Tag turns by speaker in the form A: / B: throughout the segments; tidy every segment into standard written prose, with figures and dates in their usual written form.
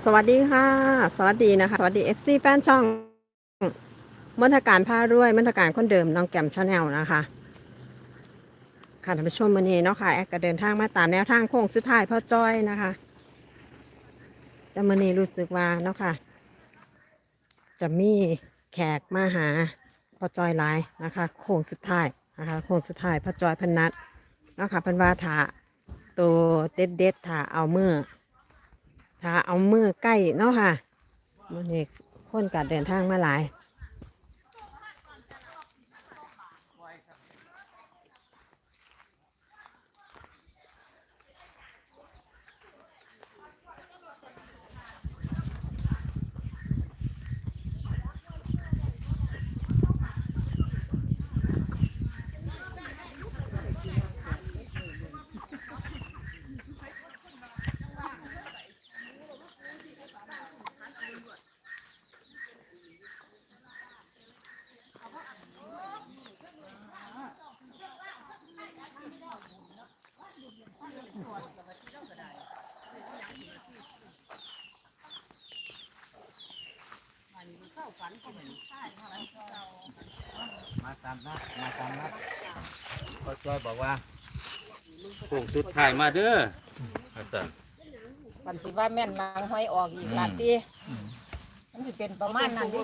A: สวัสดีค่ะสวัสดีนะคะสวัสดี FC แฟนช่องมณฑการผ้ารวยมณฑการคนเดิมน้องแก้มชาแนลนะคะค่ะท่านผู้ชมวันนี้เนาะค่ะแอดก็เดินทางมาตามแนวทางโค้งสุดท้ายพ่อจ้อยนะคะแต่วันนี้รู้สึกว่าเนาะค่ะจะมีแขกมาหาพ่อจ้อยหลายนะคะโค้งสุดท้ายนะคะโค้งสุดท้ายพ่อจ้อยพนัดเนาะค่ะเพันว่าถาตัวเด็ดถาเอามือใกล้เนาะค่ะวันนี้คนกัดเดินทางมาหลาย
B: มาตามนัดพ่อจ้อยบอกว่าโค้งสุดท้ายมาเด้ออาจารย์
C: มันสิว่าแม่นนางห้อยออกอีกหลาตีมันสิเป็นประมาณนั้นดิ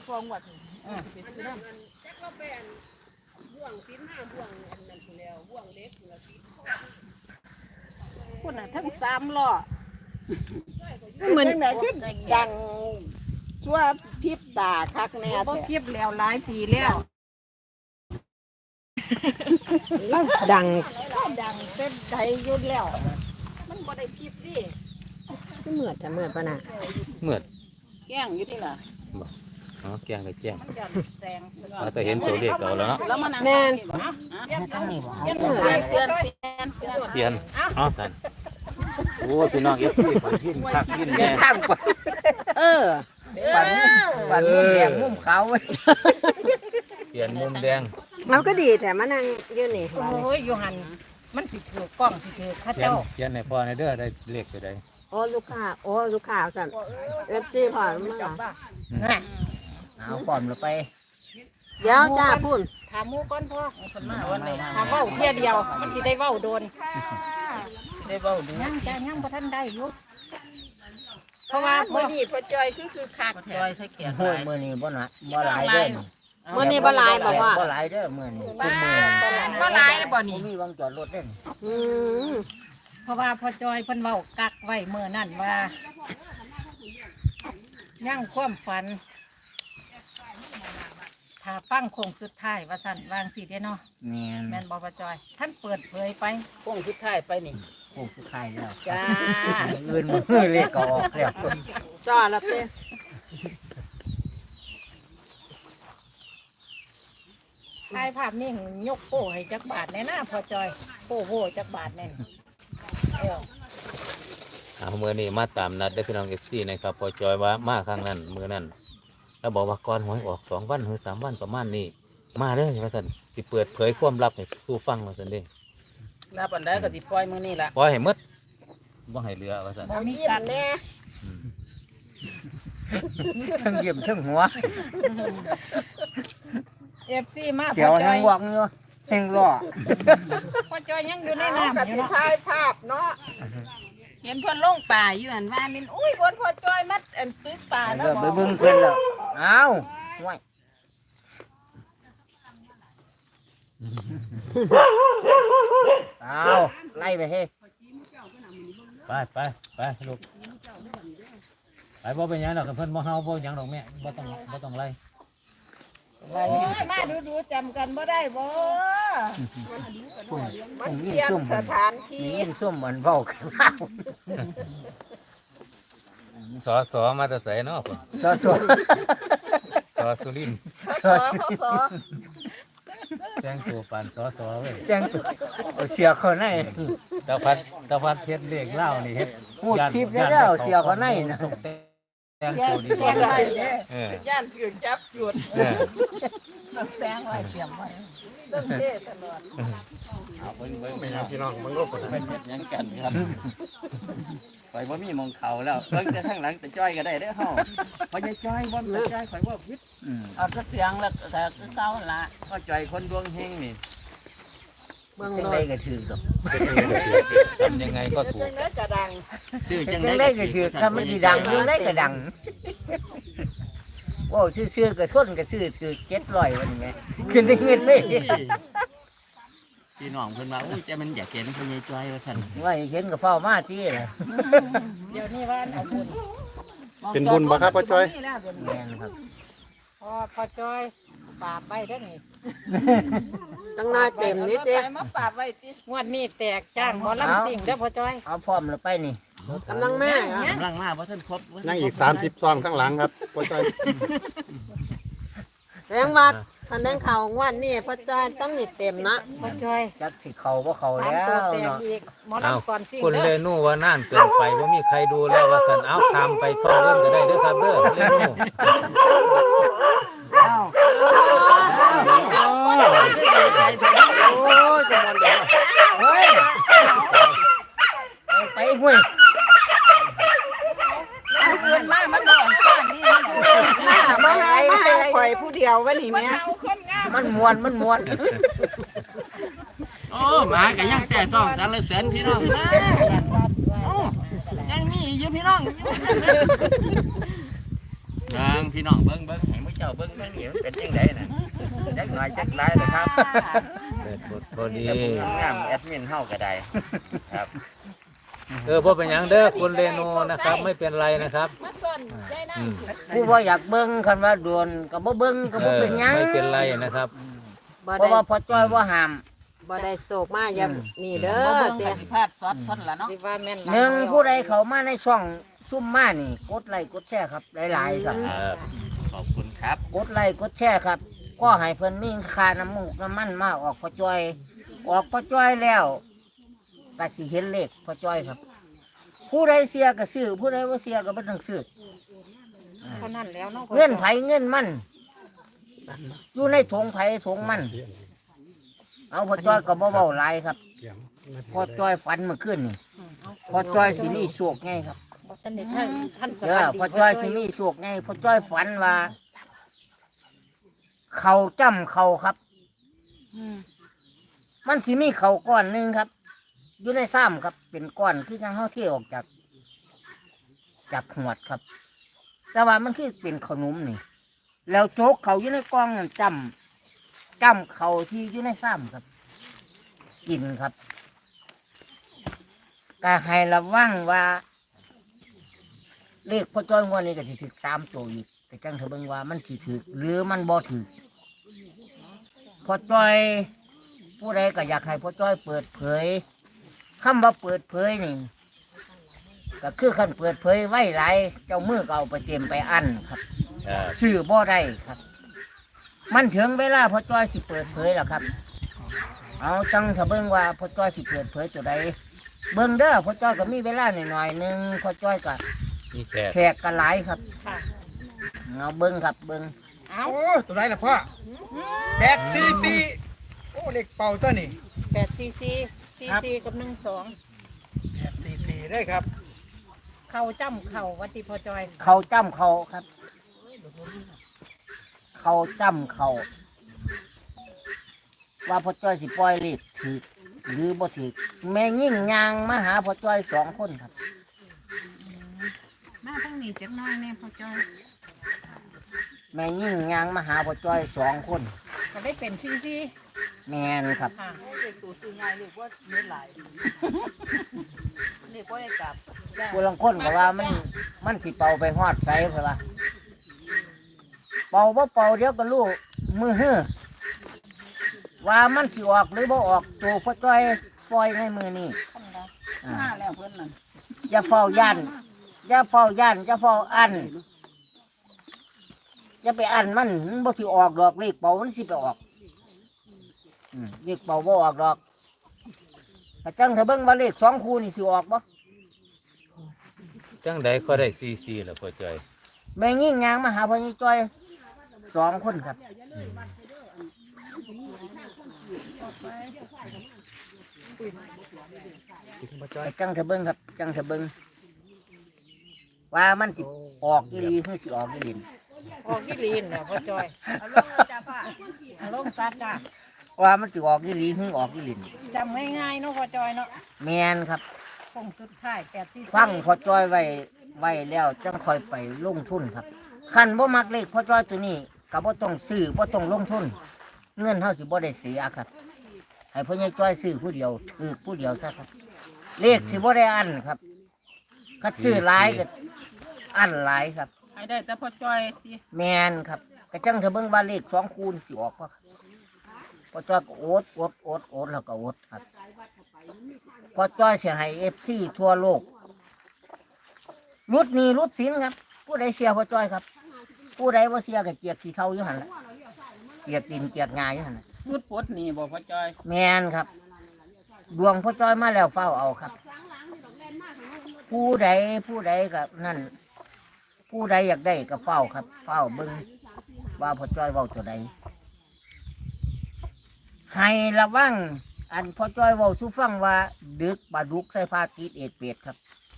C: คุณน่ะทั้งสามล้อ
A: เหมือน
C: จังไหนคือดังชั่วพริบตาคักแน่
D: บ่
C: แท้
D: เทียบแล้วหลายปีแล้ว
A: ดัง
C: ดังเป็นใจยุ่นแล้ว มันบ่ได้พริบดิ
A: เหมือดจะเหมือดปะน่ะ
B: เมื่อ
C: แกล้งอยู่นี่ล่ะ
B: อ๋อแกงกับแจ้ง
C: มันจะแซง
B: เราจะเห็นตัวเลขเอาแล้วเนาะ
C: แล้วมันนั่ง
A: แม่น
C: ตั้งนี่บ่เตือน
B: เตียนอ๋อสันโอ้พี่น้องเอฟซีผมพินคักพินแน่
A: เออ
C: ปันมุมแดงมุมขาว
B: เตียนมุมแดง
A: เราก็ดีแต่มานั่งยืนนี่
D: โอ้ยอยู่หันมันสิถือกล้องสิถือข้า
B: เตียน
D: เจ้า
B: เตียนในพ่อในเด้อได้เลขตัวใด
A: โอ้ลูกค้าสั่นเอฟซีผ่านมา
D: น่ะ
C: เอาปอมลงไป
A: เดี๋ยวจ้าพุ่น
D: ถามหมู่ก่อนพ่อถามเว้าเที่ยเดียว มันสิได้เว้าโดน
C: ได้เว้าดู
D: ยังจะยังบ่ทันได้อยู่เพราะว่า
C: มื้อนี้พ่อจอยคือคักจอยใส่แขน
E: โอ้ยมื้อนี้บ่หนะบ่หลายเด้อ
A: วันนี้บหลายบอกว่า
E: บ่หลายเด้อมื้อนี้ทุกมื้อ
D: บ่หลายบ่
E: บ่
D: นี่
E: มีวงจอดรถเด้อ
A: อืม
D: เพราะว่าพ่อจอยเพิ่นเว้ากักไว้มื้อนั้นว่ายังความฝันถ้าฟังโค้งสุดท้ายว่าซั่นวางสิเด้เนาะ
E: แม่น
D: แม่นบ่พ่อจอยท่านเปิดเผยไป
C: โค้งสุดท้ายไปนี่
E: โค้งสุดท้ายแล้ว
C: จ้า
E: อื่นมื้อเลขก็ออกแล้ว
A: จ้าละเต้
D: ถ่ายภาพนิ่งยกโป้ให้จักบาทแน่นะพอจอยโป้โหจักบาทแน่นเออ
B: เอามือนี้มาตามนัดได้อพี่น้องเอฟซีนะครับพ่อจ้อยว่ามาครั้งนั้นมือนั้นแล้วบอกว่าก่อนหวยออก2 วันหรือ3 วันประมาณนี้มาเด้อว่าสันสิเปิดเผยความลับให้สู้ฟังว่าสันเด้
C: รับอันใดก็สิปล่อยมื้อนี้ล่ะ
B: ปล่อยให้หมดบ่ให้เหลือว่าสัน
D: บ่มีกัด
C: แน่
E: ทั้งยิ้มทั้งหัว
D: เอฟซีมา
E: เสียว
D: พอจ
E: ทั้
D: อง ย
E: วอกอยู่แห่งล้อ
D: พอจอยยังอยู่ใน
C: ก็
D: น้ำอยู่
C: สิ
D: เนาะ
C: ถ่ายภาพเนาะเห็นเพิ่นลงป่าอยู่หั่นว่ามินอุ้ยเพิ่นพ่อจอยมัดอันตึกป่า
E: เอ
C: แล้ว
E: อ
C: บ่
E: ไปเบิ่งเพิ่นแล้วเอ้าห่วยเอ้าไล่ไปเฮ้
B: ไปลูกไปบ่เป็นหยังดอกเพิ่นบ่เฮาบ่หยังดอกแม่บ่ต้องไล่
C: โอ้ยมาดูจำกันบ่ได้บ่ มันเปลี่ยนสถานที่
E: นี่ยินซุ่มมันเว้ากันแล้ว
B: สอมาแต่ไสเนาะพุ่น
E: สอ
B: สอสุรินทร์
C: สอสอ
B: แต่งตัวปานสอเว้ย
E: แจ้งตัวเอาเสียเขาใน
B: ตะพัดเฮ็ดเลขเล่านี่เฮ็ด
E: พูดทิพย์ได้แล้วเสียเขาในนะ
B: ต้องแต่งตัวดี
C: แจ้งไว้เด้
B: เออย่
C: านถือจับหยุด
B: เออ
C: แจ้งไว้เตรียมไว้เรื่องเทตลอด
B: ไม่ครับพี่น้องมันก็คนเฮ็ดหยังกันครับ
E: ข่อยบ่มีมองเขาแล้วเบิ่งแต่ข้างหลังแต่จ้อยก็ได้เด้อเฮาพอยายจ้อยบ่แต่จ้อยข่อยบ่ผิด
C: เอาสักเสียงแล้วก็คือเก่าละ
E: ก็จ้อยคนดวงเฮงนี่
A: เมือง
E: จัง
A: โล
E: ได๋
A: ด
E: ก็ถือดอก
B: ทำยังไงก็ถูก
D: จังได๋ก็ดัง
E: ชื่อจั
F: จั
E: ง
F: ง
E: ได๋
F: ได้
E: ก็
F: ก็
E: ถื
F: ถื
E: อ
F: อถ้ามันสิดังยังได้ก็ดังโอ้ซื้อๆก็ทนก็ซื้อถือ700วันนี้แหมขึ้นได้เงินเลย
E: พี่น้องเพิ่นว่าอุ้ยแต่มันอยากเห็นพอยายจ้อยว่าซั่น
F: ว่าเห็นก็เฝ้ามาที่ล่ะ
D: เดี๋ยวนี้ว่าเอาบุญ
G: เป็นบุญบ่ครับพ่อจ้อย
D: นี่แล้วเดี๋ยวนี้
F: แม่นครับ
D: พอจอยปราบไว้เด้อนี่
A: ตั้งหน้าเต็มนิดเดียว
C: มาปราบไว้ติ
D: งวดนี้แตกจ้างหมอลำสิ่งเด้อพอจอย
F: เอาพร้อมแล้วไปนี่
A: กำลังมาเหรอ
E: กำลังมาบ่ทันครบ
G: นั่งอีก30ซองข้างหลังครับพ่อจ้อย
A: แรงวัดทันแดงเขางวดนี่พ่อจ้อยต้องมีเต็มนะ
D: พอจอย
F: จักสิเข้าบ่เข้า
D: ตาม
F: แล้
D: ตัว
F: ว
D: แตก
F: เนาะ
D: อีกหมอ
B: เอา
D: ลำก่อนสิ่ง
B: คุณเล
D: เด้อ
B: นูว่าน่านเกินไปว่ามีใครดูแล้วว่าสันเอาคำไปซ่อนเรื่องก็ได้เด้อครับเด้อเลนู
G: โอ้ยจะมันเด้อ
F: เฮ้ยไปห้วย
C: เพื่อนมามันนอนซ่านนี่มัน
A: มาให้ข่อยผู้เดียววันนี้แม่
C: เอาคนงาม
F: มันม่วน
E: โอ้หมาก็ยังแซ่ซ่องสรรเสริญพี่น้องนะโอ้ยังมีอยู่พี่น้องพี่น้องเบิ่งให้มื้อเจ้าเบิ่งนี่เป็นจังไดน่ะจักหน่อยจักหลายนะครับ
B: เปิดบทพอดี
E: งามแอดมินเฮาก็ได้ครับ
B: พ่อเป็นหยังเด้อคุณเลนูนะครับ ไม่เป็นไรนะครับ
C: มาซ่อนยายนาง
B: อืม
F: ผู้บ่อยากเบิ่งคันว่าโดนก็บ่เบิ่งก็บ่เป็นหยัง
B: ไม่เป็นไรนะครับ
A: บ่
F: เพราะ
A: ได้
F: ว่าพ่อจ้อยบ่ห้าม
A: บ่ได้โศกมาอย่านี่เด้อ
C: บ่เบิ่ง
A: เตี้ย
C: ปฏิภาณซอดทนละเนาะ
D: สิว่าแม่น
F: หนึ่งผู้ใดเข้ามาในช่องซุ่มมานี่กดไลค์กดแชร์ครับหลายๆครับ
E: ขอบคุณครับ
F: กดไลค์กดแชร์ครับ ก็ให้เพิ่นมีค่าน้ำมูกน้ำมันมาออกพ่อจ้อย ออกพ่อจ้อยแล้วก็สิเห็นเลขพ่อจ้อยครับ ผู้ใดเสียก็ซื้อผู้ใดบ่เสียก็บ่ต้องซื้อ
D: เท่านั้นแล้วเนาะ
F: เงินไผเงินมันอยู่ในถุงไผถุงมัน เอาพ่อจ้อยก็บ่เว้าหลายครับพ่อจ้อยฝันเมื่อคืนนี่พ่อจ้อยสิมีโชคไงครับ
D: บ่ทันได้ท่านส
F: เด้
D: วั
F: อ
D: สดี
F: พ่อจ้อยสิมีโชคไงพ่อจ้อยฝันว่า เขาจ้ำเขาครับ มันสิมีเขาก้อนหนึ่งครับ อยู่ในซ้ำครับ เป็นก้อนคือจังเฮาเที่ออกจากหวดครับ แต่ว่ามันคือเป็นขนมนี่ แล้วโจกเขาอยู่ในกล่องนั่นจ้ำเขาที่อยู่ในซ้ำครับ กินครับก็ให้ระวังว่า เลขพ่อจ้อยงวดนี้ก็สิถึก3ตัวอีกแต่จังเถอะเบิ่งว่ามันสิถึกหรือมันบ่ถึกพ่อจ้อยผู้ใดก็อยากให้พ่อจ้อยเปิดเผยคำว่าเปิดเผยนี่ก็คือคันเปิดเผยไว้หลายเจ้ามือก็เอาไปเตรียมไปอันครับ ชื่อบ่ได้ครับ มันถึงเวลาพ่อจ้อยสิเปิดเผยแล้วครับ เอาจังถ้าเบิ่งว่าพ่อจ้อยสิเปิดเผยตัวใดเบิ่งเด้อพ่อจ้อยก็มีเวลาหน่อยๆหนึงพ่อจ้อยก็
B: นี่แขก
F: แขกก็หลายครับ
D: ค่ะ
F: เอาเบิ่งครับเบิ่ง
D: เอา
G: โอ้ตัวไหนล่ะพ่อ844โอ้เล็กเป่าตัวนี่
D: 8cc กับ12
G: 844ได้ครับ
D: เข้าจ้ำเข้าวัดที่พอจอย
F: เขาจ้ำเขาครับ เขาจ้ำเขาว่าพ่อจ้อยสิปล่อยเลขถือหรือบ่ถือแม่ยิ่งยางมาหาพ่อจ้อย2 คนครับ
C: มาทั้งนี้จักหน้อยแน่พ่อจ้อย
F: แม่ยิ่งยางมาหาพ่อจ้อย2 คน
D: ก็ได้เป็นซี
F: แม่นครับ
D: ค่ะ
C: เด็กตัวซื้อง่ายเรียกว่าเนื้อหลายเรียกว่าได้กลับ
F: ผู้ลังคนก็ว่ามันสิเป่าไปฮอดไสเพิ่นว่าเป่าบ่เป่าเดี๋ยวก็รู้มือฮื้อว่ามันสิออกหรือบ่ออกตัวพ่อจ้อยปล่อยในมือนี้อ่า
C: มาแล้วเพิ่นนั่น
F: อย่าเฝ้าย่านอย่าเฝ้าย่านอย่าเฝ้าอันอย่าไปอันมันบ่สิออกดอกเลขเป่ามันสิไปออกเลขเป่าบ่ออกดอกกระจังถ้าเบิ่งว่าเลข2 คู่นี่สิออกบ่
B: จังใดก็ได้ซีแล้วพ่อจ้อย
F: แม่งยิ่งยางมาหาพ่อนี่จ้อย2 คนครับกระจังถ้าเบิ่งครับจังถ้าเบิ่งว่ามันสิออกอีหลีคือสิออกอีหลิน
D: ออกกิลีนเนี่ยพ่อจอย
C: เอาลงเลยจ้าพ่อ
D: เอาลงซัดจ้ะ
F: ว่ามันสิออกอีหลีคือออกอีหลิน
D: จำง่ายๆเนาะพ่อจอยเนาะ
F: แมนครับ
D: คงสุดท้าย844
F: ฟังพอจ้อยไว้แล้วจังค่อยไปลงทุนครับคันบ่มักเลขพอจ้อยตัวนี้ก็บ่ต้องซื้อบ่ต้องลงทุน เงินเฮาสิบ่ได้เสียครับให้พ่อใหญ่จ้อยซื้อผู้เดียวถือผู้เดียวซะครับ เลขสิบ่ได้อันครับคัดซื้อหลายก็อันหลายครับ
C: ให้ได้แต่พ่อจ้อยสิ
F: แมนครับกระจังเธอเบิ่งว่าเลข2คูณสิออกบ่พอจ้อยก็โอดแล้วก็โอดครับพอจ้อยสิให้ FC ทั่วโลกรุดหนี้รุดสินครับ ผู้ใดเสียพอจ้อยครับ ผู้ใดบ่เสียก็เกียกขี้เท่าอยู่หั่นล่ะเกียกดินเกียกงายอยู่หั่นน่ะ
C: สุดปลดหนี่บ่พ่อจ้อย
F: แมนครับ ดวงพอจ้อยมาแล้วเฝ้าเอาครับ ผู้ใดก็นั่น ผู้ใดอยากได้ก็เฝ้าครับ เฝ้าเบิ่งว่าพอจ้อยเว้าตัวใดให้ระวังอันพอจ้อยเว้าสู่ฟังว่า ดึกปลาดุกใส่ผ้าติดเอ็ดเป็ดครับ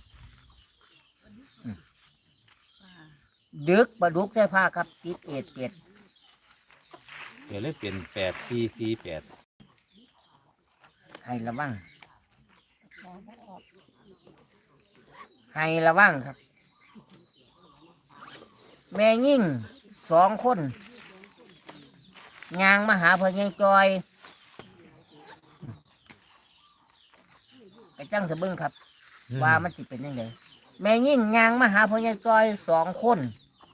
F: ดึกปลาดุกใส่ผ้าครับติดเอ็ดเป็ด
B: เดี๋ยวเลยเป็น8448
F: ให้ระวังให้ระวังครับ แม่ยิ่ง2 คนยางมาหาพ่อใหญ่จอยไปจังเถอะเบิ่งครับ ว่ามันสิเป็นยังไงแม่ยิ่งยางมาหาพ่อใหญ่จอย2 คน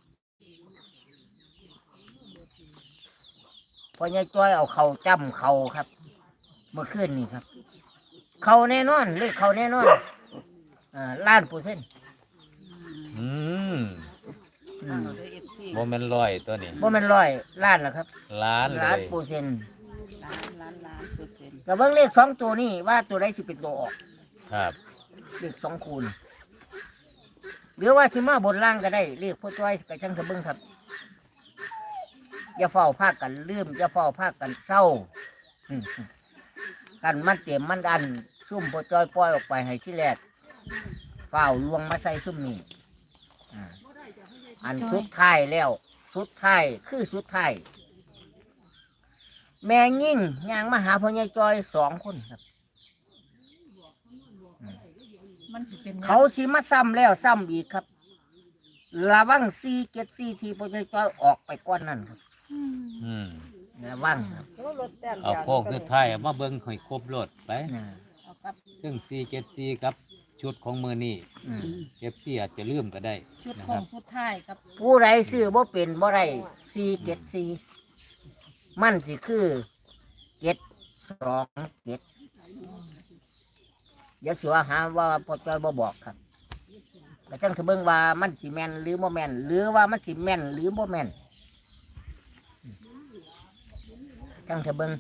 F: พ่อใหญ่จอยเอาเข่าจ้ำเข่าครับ เมื่อคืนนี่ครับ เขาแน่นอนเลขเขาแน่นอน1,000,000%
B: อืม
F: อืม
C: เอาเลย FC
B: บ่แม่นร้อยตัวนี้
F: บ่แมัน100,000,000แล้วครับ
B: ล้านเล
F: ล้าน
B: ย
F: เปอร์เซ็นต์
C: ล้านเปอร์เซ็นต์
F: แต่เบิ่งเลข2 ตัวนี้ว่าตัวใดสิเป็นตัวออก
B: ครับ
F: เลข2 คูณหรือว่าสิมาบนล่างก็ได้เลขพ่อจ้อยกับช่างเถอะเบิ่งครับ อย่าเฝ้าพากันลืมอย่าเฝ้าพากันเศร้าอืมกันมันเต็มมันอันซุ่มพอจอยปล่อยออกไปให้ที่แรกเฝ้าลวงมาใส่ซุ่มนี่อ่าอันสุดท้ายแล้ว สุดท้ายคือสุดท้ายแม่ยิ่งยางมาหาพ่อใหญ่จอย2 คนครับ
D: มันสิเป็น
F: เขาสิมาซ้ำแล้วซ้ำอีกครับระวัง474ที่พ่อใหญ่จอยออกไปก้อนนั่นครับ
B: อืม
F: ระวังครับ
B: เอาโค้งสุดท้ายเอามาเบิ่งให้ครบรถไป
F: นะ
C: เอากับ
B: ซึ่ง474กับชุดของมือนี่
F: อืม
B: FC อาจจะลืมก็ได้
C: ชุด
B: นะ
C: ข
B: ค
C: อ
B: รั
C: ง
B: บ
C: สุดท้ายกับ
F: ผู้ใดซื้อบ่เป็นบ่ได้474มันสิคือ727อย่าเสือหาว่าพ่อจ้อยบ่บอกครับแต่จังจะเบิ่งว่ามันสิแม่นหรือบ่แม่นหรือว่ามันสิแม่นหรือบ่แม่นจังจะเบิ่ง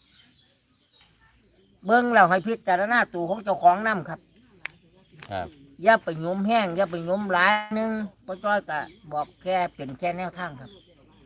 F: แล้วให้พิจารณาตัวของเจ้าของนํครับ
B: ครับ
F: อย่าไปโยมแห้งอย่าไปโยมหลายหนึงพ่อจ้อยก็บอกแค่เป็นแค่แนวทางครับ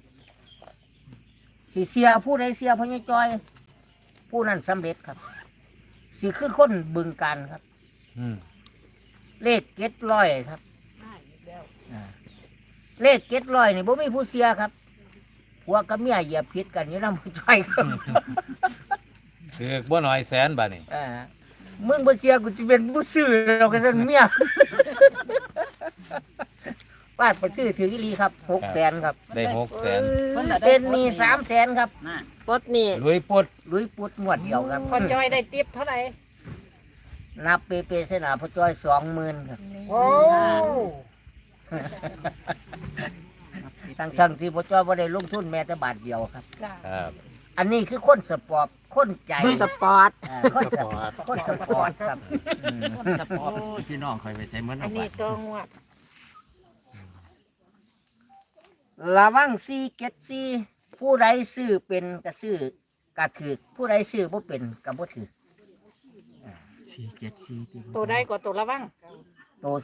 F: สิเสียผู้ใดเสียพ่อใหญ่จ้อย ผู้นั้นสำเร็จครับสิคือคนบึงการครับ
B: อืม
F: เลข700ครับอ่าเลข700นี่บ่มีผู้เสียครับผัวกับเมียเหยียบผิดกันอยู่นำผู้จ้อยครับ
B: คือบ่น้อยแสนบาทนี่
F: อ่ามึงบ่เสียกูจะเป็นผู้ซื้อเราก็ซั่นเมีย ปาดไปซื้อถืออีหลีครับ600,000ครับ
B: ได้600,000
C: เพิ่นน่ะได้
F: เป็นหนี้300,000ครับ
C: น่ะ
A: ปลดหนี่
B: ลุยปุด
F: ลุยปุดงวดเดียวครับ
D: พ่อจอยได้ติปเท่าไหร่
F: นับเปเสนาพ่อจ้อย20,000ครับ
G: โอ้
F: ทั้งที่พ่อจ้อยบ่ได้ลงทุนแม้แต่บาทเดียวครับ
D: จ้า
B: ครับ
F: อันนี้คือคนสปอร์ตคนใจ
A: สปอร์ต
F: คนสปอร์ตคนสปอร์ตครับอืม
E: สปอร์ตพี่น้องคอยไปใช้เหมือน
D: อั
E: เอา
D: น
E: ไป
D: นี้ตัวงวด
F: ระวัง474ผู้ใดซื้อเป็นก็ซื้อก็ถือผู้ใดซื้อบ่เป็นก็บ่ถือ
E: 474
D: ตัวใดก็ตัวระวัง
F: โต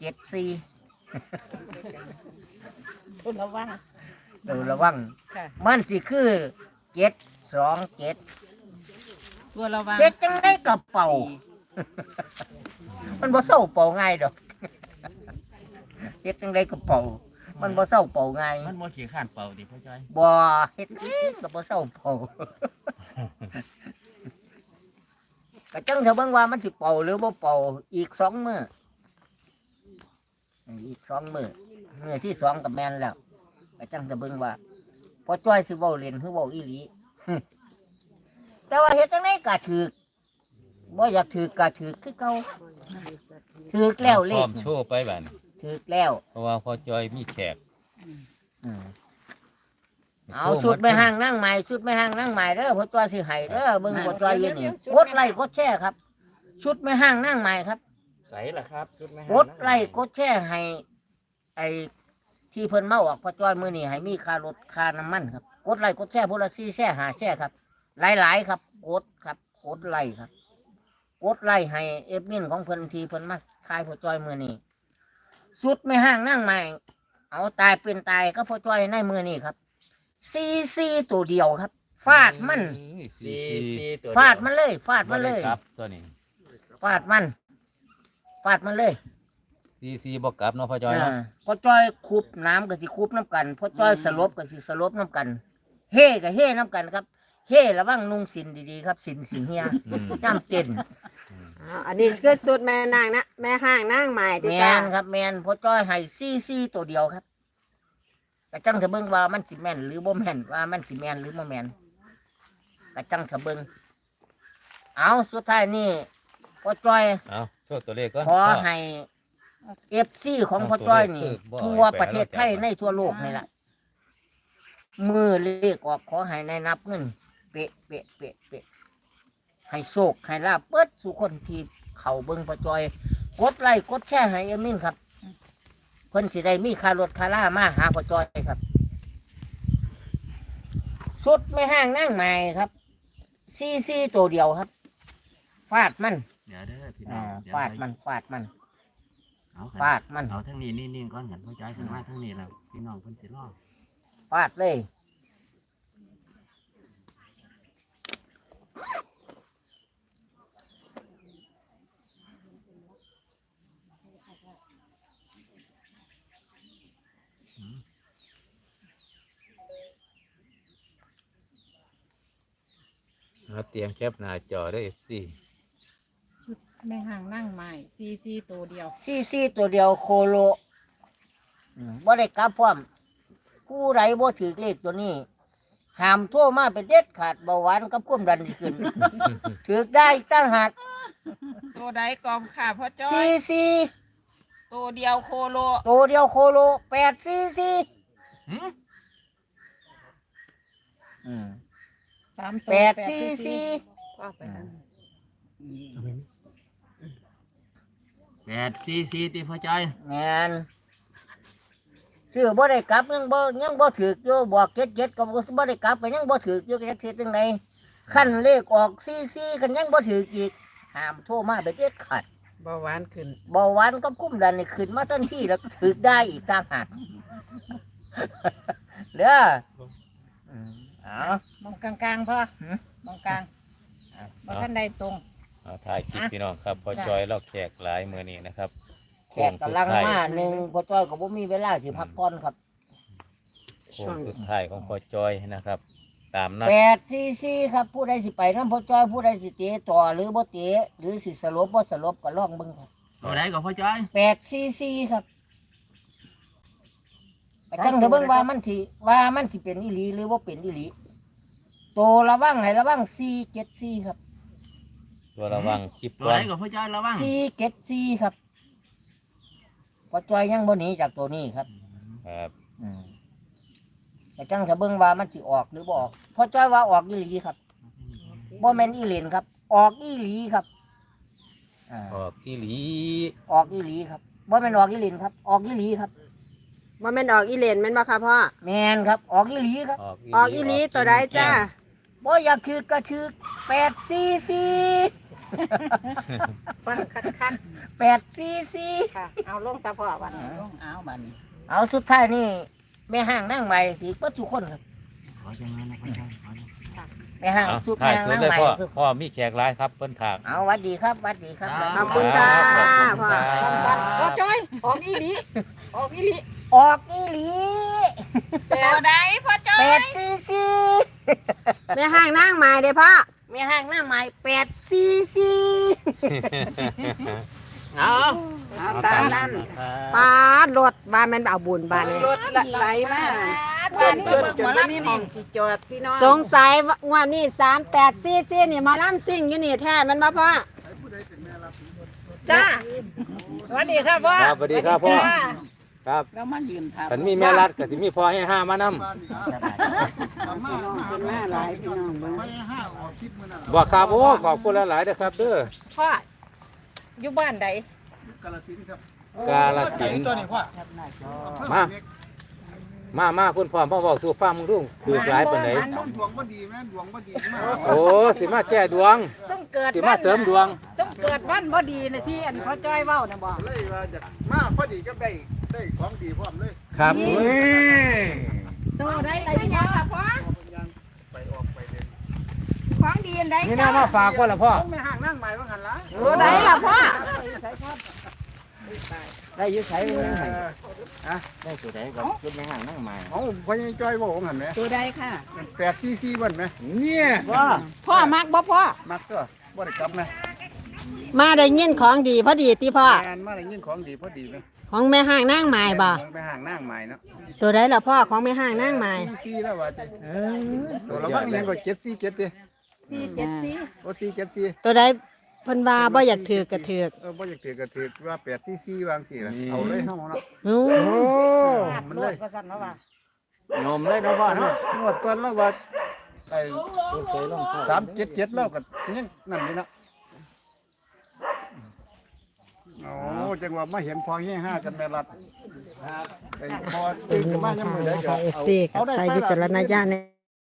F: 474
D: ตัวระวัง
F: เออระวัง
D: ค่ะ
F: มันสิคือ727
C: ตัวระวัง
F: เจ็ดจังได้กระเป๋า มันบ่เศร้าเป่าง่ายดอกเฮ็ดจังไดก็เป่ามันบ่เศร้าเป่าง่าย
E: มันบ่ขี้ข้านเป่าดิพ่อจ้อย
F: บ่เฮ็ดก็บ่เศร้าเป่าก็จังเถอะเบิ่งว่ามันสิเป่าหรือบ่เป่าอีก2 มื้ออีก2 มื้อมื้อที่2ก็แม่นแล้วก็จังจะเบิ่งว่าพอจ้อยสิเว้าเล่นหรือเว้าอีหลี แต่ว่าเฮ็ดจังไดก็ถูกบ่อยากถูกก็ถูกคือเก่าถูกแล้วเล
B: พร้อ
F: ข
B: มโชว์ไปบัดนี้
F: ถูกแล้ว
B: เพราะว่าพ่อจอยมีแขก
F: อืมเอาชุดไม่ห่างนั่งใหม่ชุดไม่ห่างนั่งใหม่เด้อพอจ้อยสิให้เด้อเบิ่งพอจ้อยอยู่นี่กดไลค์กดแชร์ครับ ชุดไม่ห่างนั่งใหม่ครับ
E: ใส่ล่ะครับชุดแม่
F: กดไลค์กดแชร์ให้ไอ้ที่เพิ่นมาออกพอจ้อยมื้อนี้ให้มีค่ารถค่าน้ำมันครับกดไลค์กดแชร์พุ่นละ4แชร์5แชร์ครับหลายๆครับกดครับกดไลค์ครับกดไลค์ให้เอฟมินของเพิ่นที่เพิ่นมาทายพอจ้อยมื้อนี้ชุดไม่ห่างนั่งใหม่เอาตายเป็นตายก็พอจ้อยในมื้อนี้ครับซีตัวเดียวครับฟาดมัน
E: ซีตัว
F: ฟาดมันเลยฟาดมันเลย
B: ครับตัวนี้
F: ฟาดมันฟาดมันเลย
B: ซีบ่กลับเนาะพ่อจอยเนาะ
F: พอจ้อยคุบน้ำก็สิคุบน้ำกันพอจ้อยสลบก็สิสลบน้ำกัน เฮ่ก็เฮ่น้ำกันครับ เฮ่ระวังนุ่งสินดีๆครับสินเฮียย่ำเต้น
A: อันนี้คือสุดแม่นางนะแม่ห้างนางใหม่ติ
F: แม
A: จ้าน
F: ครับแมนพอจ้อยให้ซีตัวเดียวครับกระจังเถอะเบิ่งว่ามันสิแม่นหรือบ่แม่นว่ามันสิแม่นหรือบ่แม่นกระจังเถอะเบิ่งเอาสุดท้ายนี่พอจ้อย
B: เอาโชว์ตัวเลขก่อน
F: ขอให้เอฟซีของพ่อจ้อยนี่ทั่วประเทศไทยในทั่วโลกนี่แหละมือเลขออกขอให้ในนับเงินเป๊ะเป๊ะเป๊ะเป๊ะให้โชคให้ลาบเปิดสู่คนที่เขาเบิ่งพ่อจ้อยกดไลค์กดแชร์ให้เอมินครับเพิ่นสิได้มีค่ารถค่าล่ามาหาพ่อจ้อยครับสุดไม่ห่างนั่งใหม่ครับซีตัวเดียวครับฟาดมัน
E: เดี๋ยวเด้อพี่น้องเดี๋ยว
F: ฟาดมันฟาดมัน
E: เอา
F: ฟาดมัน
E: เอาทั้งนี้นิ่งๆก่อนกันพ่อจ้อยถึงมาทั้งนี้แล้วพี่น้องเพิ่นสิรอ
F: ฟาดเลย
B: เอาเตรียมแคปหน้าจอเด้อ FC
D: แม่ห่างนั่งใหม่ซีตัวเดียว
F: ซีตัวเดียวโคโลบ่ได้กลับพร้อมผู้ใดบ่ถือเลขตัวนี้ห้ามโทรมาเป็นเด็ดขาดเบาหวานกับความดันที่ขึ้น ถือได้ตั้งหัก
C: ตัวใดกอมค่ะพ่อจ้อย
F: ซี
C: ตัวเดียวโคโล
F: ตัวเดียวโคโล8ซี
E: หืม
D: 3 ตัว
F: 8ซี
C: ว่าไปนั่น
E: 8 ซีติพ่อจ้อย
F: งานซื้อบ่ได้กลับยังบ่ถืออยู่บอกเจ็ดก็บ่ได้กลับก็ยังบ่ถืออยู่ก็จักสิจังไดขั้นเลขออกซีกันยังบ่ถืออีกห้ามโทรมาเป็นเด็ดขาด
C: เบาหวานขึ้น
F: เบาหวานกับคุ้มดันนี่ขึ้นมาทันทีแล้วถือได้อีกต่างหากเด้อเอา
D: มองกลางๆพ่อ
F: หืม
D: มองกลางบ่ทันใดตรง
B: เอาถ่ายคลิปพี่น้องครับพ่อจอยเราแขกหลายมื้อนี้นะครับ
F: แขกกำลังมาหนึ่งพอจ้อยก็บ่มีเวลาสิพักผ่อนครับ
B: โค้งสุดท้ายของพ่อจอยนะครับ ตามนัด
F: 8ซีครับผู้ใดสิไปนำพอจ้อยผู้ใดสิเตะต่อหรือบ่เตะหรือสิสลบบ่สลบก็ลองเบิ่งครับ
E: ตัวใดก็พ่อจ้อย
F: 8ซีครับก็จังเถอะเบิ่งว่ามันสิเป็นอีหลีหรือบ่เป็นอีหลีโตระวังให้ระวัง4 7 4ครับ
B: ตัวระวังคลิป
E: ตัว
B: ก่อ
E: ใด
B: น
E: ก็พ่อจ้อยระวัง
F: 4 7 4ครับพอจ้อยยังบ่หนีจากตัวนี้ครับ
B: ครับ
F: แต่จังจะเบิ่งว่ามันสิออกหรือบ่ออกเพอจ้อยว่าออกอีหลีครับบ่แม่นอีเหลนครับ ออกอีหลีครับ
B: ออกอีหลี
F: ออกอีหลีครับบ่แม่นออกอีเหลนครับ ออกอีหลีครับ
A: ว่าแม่นออกอีเลนแม่นบ่ค่ะพ่อ
F: แม่นครับ ออกอีหลีครับ
A: ออกอีหลีตัวใดจ้า
F: บ่อยากถือกระถือ8ซีซี
D: ฟังคัก
F: 8ซีซี
D: ๆค่ะ เอาลงซะพ่อวันนี้ลงเอาบัดนี้
F: เอาสุดท้ายนี่แม่ห้างนั่งใหม่สิเปิดทุกคนครับ
E: ขอจังนั้นนะพ่อจ้อยขอ
F: ไปห้าง
B: เอา
F: สุด
B: ถ่าย
F: แห้ง
B: สุด
F: นั่ง
B: เลย
F: ใหม่
B: พ่อมีแขกหลายครับเพิ่นถาก
F: เอาหวัดดีครับหวัดดีครับ
A: ขอบคุณค่ะ
B: ขอบคุณ
A: พ่อ
B: ครับ
A: สั้นๆพ่อจ้อยออกอีหลีออกอีหลี
F: ออกอีหลี
C: เอาได้พ่อจ้อย
F: 8cc
A: แม่ห้างนั่งใหม่เด้อพ่อ
F: มีห้างหน้าใหม่8cc
E: เอา
C: เอาตามนั้น
A: ปาดรถบ้านแมันเอาบุญบ้านนี้
C: รถไหลมาบ้านนี้เบิ่งหมอลำสิ่งสิจอดพี่น้อง
A: สงสัยว่านี่38ซีซีนี่มาล่ำซิ่งอยู่นี่แท้แมันบ่พ่อ
C: จ้า
D: สวัสดีครับพ่อ
B: ครับสวัสดีครับพ่อครับ
C: แล้วมันยืนทับ
B: ฉันมีแม่รัดก็สิมีพ่อให้ห้ามานำ
C: เป็นแม่หลายพี่น้องเบิ่ง
B: บ่ครับโอ้ขอบคุณหลายๆเด้อครับเด้อ
D: พ่ออยู่บ้านใด
B: กาฬสิน
G: ไก่
B: ธุ์
G: ตัวนี้พ่อ
B: มาคุณพ่อเว้าสู่ฟังมึงดูถูกหลายปานใด
G: ดวงบ่ดีแม่ดวงบ่ดีมาก
B: โอ้สิมาแก้ดวง
D: ต้องเกิด
B: สิมาเสริมดวง
D: ต้องเกิดวันบ่ดีนะที่อันพ่อจ้อยเว้านะบ่
G: เลยว่าจะมาพอดีก็ได้ของดีพร้อมเลย
B: ครับ
D: โตได้ไร
C: เป็นยังล่ะพ่อ
G: ไปออกไปเดิน
C: ของดีอันใด
B: นี่น่ามาฝากว่าล่ะพ่อ
G: ต้องไม่ห่างนั่งใหม่ว่าหันละ
C: ตัวใดล่ะพ่อ
F: ได้อยุ่ใช้เลย
E: ได้ตัวใดก่อนชุดแม่ห่างนั่งใหม่
G: เอาพ่อยังจ้อยบอกว่าหันไหม
C: ตัวใดค่ะ
G: 8cc วันไหม
B: เนี่ย
A: พ่อมักบ่พ่อ
G: มักก็บ่ได้กลับไหม
A: มาได้ยินของดีพอดีติพ่อ
G: งานมาได้ยินของดีพอดีไหม
A: ของแม่ห้างนั่งใหม่บ่
G: ไปห่างนั่งใหม่เนาะ
A: ตัวใดล่ะพ่อของแม่ห้างนั่งใหม่
G: ซีแล้วว่าจะตัวละบ้างยังก็747ดิ
D: 474
G: โอ้474
A: ตัวใดเพิ่นว่าบ่อยากถือกระถือก
G: บ่อยากถือก็ถือว่า8ccวางสิล่ะเอาเลยเฮาเนาะ
A: โอ้
G: มันเลย
D: ว่าซั่นว่า
E: นมเลยเนาะพ่อเนาะ
G: งวดก่อนแล้วว่าไอ้377แล้วก็ยังนั่นนี่เนาะโอ้จังว่ามาเห็นพอเฮีย5กันแม่รัดไอ้พอตื่นขึ้นมายามมื้อใดก็
A: FC กับใช้วิจารณญาณใน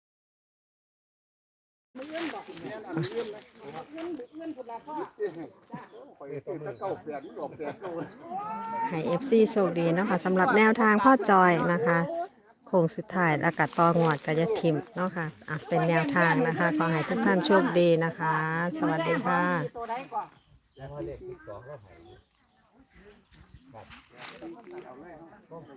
A: ให้ FC โชคดีเนาะค่ะสำหรับแนวทางพ่อจอยนะคะโค้งสุดท้ายอากาศตองวดกระยะทิมเนาะค่ะเป็นแนวทางนะคะ ขอให้ทุกท่านโชคดีนะคะ สวัสดีค่ะ
D: ตัวใดก่อน